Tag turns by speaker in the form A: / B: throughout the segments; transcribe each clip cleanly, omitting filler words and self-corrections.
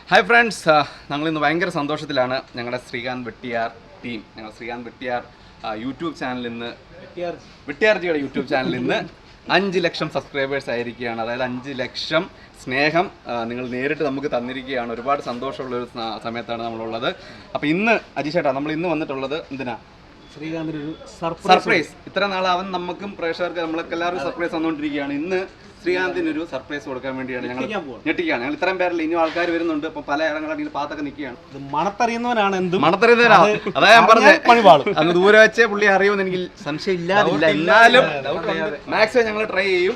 A: Hi friends, ഞങ്ങളിന്ന് ഭയങ്കര സന്തോഷത്തിലാണ്. ഞങ്ങളുടെ ശ്രീകാന്ത് വെട്ടിയാർ ടീം, ഞങ്ങൾ ശ്രീകാന്ത് വെട്ടിയാർ യൂട്യൂബ് ചാനലിൽ നിന്ന് വെട്ടിയാർജിയുടെ യൂട്യൂബ് ചാനലിൽ നിന്ന് 5 ലക്ഷം സബ്സ്ക്രൈബേഴ്സ് ആയിരിക്കുകയാണ്. അതായത് 5 ലക്ഷം സ്നേഹം നിങ്ങൾ നേരിട്ട് നമുക്ക് തന്നിരിക്കുകയാണ്. ഒരുപാട് സന്തോഷമുള്ളൊരു സമയത്താണ് നമ്മളുള്ളത്. അപ്പോൾ ഇന്ന് അജീഷേട്ടാ നമ്മൾ ഇന്ന് വന്നിട്ടുള്ളത് എന്തിനാ?
B: ശ്രീകാന്തിന് ഒരു
A: സർപ്രൈസ്. ഇത്ര നാളാവൻ നമുക്കും പ്രേക്ഷകർക്ക് നമ്മൾക്ക് എല്ലാവരും സർപ്രൈസ് തന്നുകൊണ്ടിരിക്കുകയാണ്. ഇന്ന് ശ്രീകാന്തിനൊരു സർപ്രൈസ് കൊടുക്കാൻ വേണ്ടിയാണ് ഞങ്ങൾ ഞെട്ടിക്കുകയാണ്. ഞങ്ങൾ ഇത്രയും പേരിൽ ഇനിയും ആൾക്കാർ വരുന്നുണ്ട്. ഇപ്പൊ പല ഇടങ്ങളിൽ പാത്തൊക്കെ നിൽക്കുകയാണ്.
B: മണത്തറിയുന്നവനാണ് എന്തും
A: മണത്തറിയുന്നവരാണ്. അതാ ഞാൻ പറഞ്ഞത്, അങ്ങ് ദൂരെ വെച്ചേ പുള്ളി അറിയുമെന്ന് എനിക്ക് സംശയം ഇല്ലാതില്ല. എന്നാലും മാക്സിമം ഞങ്ങൾ ട്രൈ ചെയ്യും.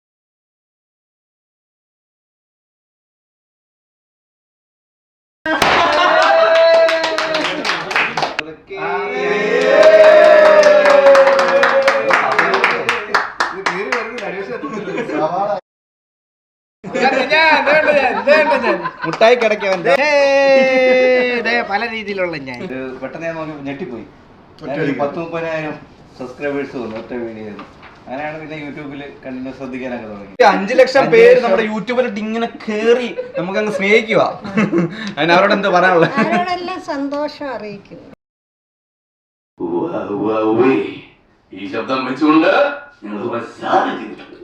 A: മുട്ടായി കിടക്കാൻ
C: പല രീതിയിലുള്ള ഞാൻ
A: പെട്ടെന്ന് ഞാൻ നോക്കി ഞെട്ടിപ്പോയി. 10-30,000 സബ്സ്ക്രൈബേഴ്സ് വന്നു ഒറ്റ വീഡിയോ. അങ്ങനെയാണ് പിന്നെ യൂട്യൂബിൽ കണ്ടിന്യൂസ് ശ്രദ്ധിക്കാനൊക്കെ തുടങ്ങി. 5 ലക്ഷം പേര് നമ്മുടെ യൂട്യൂബിലിട്ട് ഇങ്ങനെ കേറി നമുക്ക് അങ്ങ് സ്നേഹിക്കുക. അതിന് അവരോട് എന്താ പറയാനുള്ളത്?
D: അവരോടെല്ലാം സന്തോഷം അറിയിക്കും.
A: ഈ ശബ്ദം വെച്ചുകൊണ്ട് ഞങ്ങൾ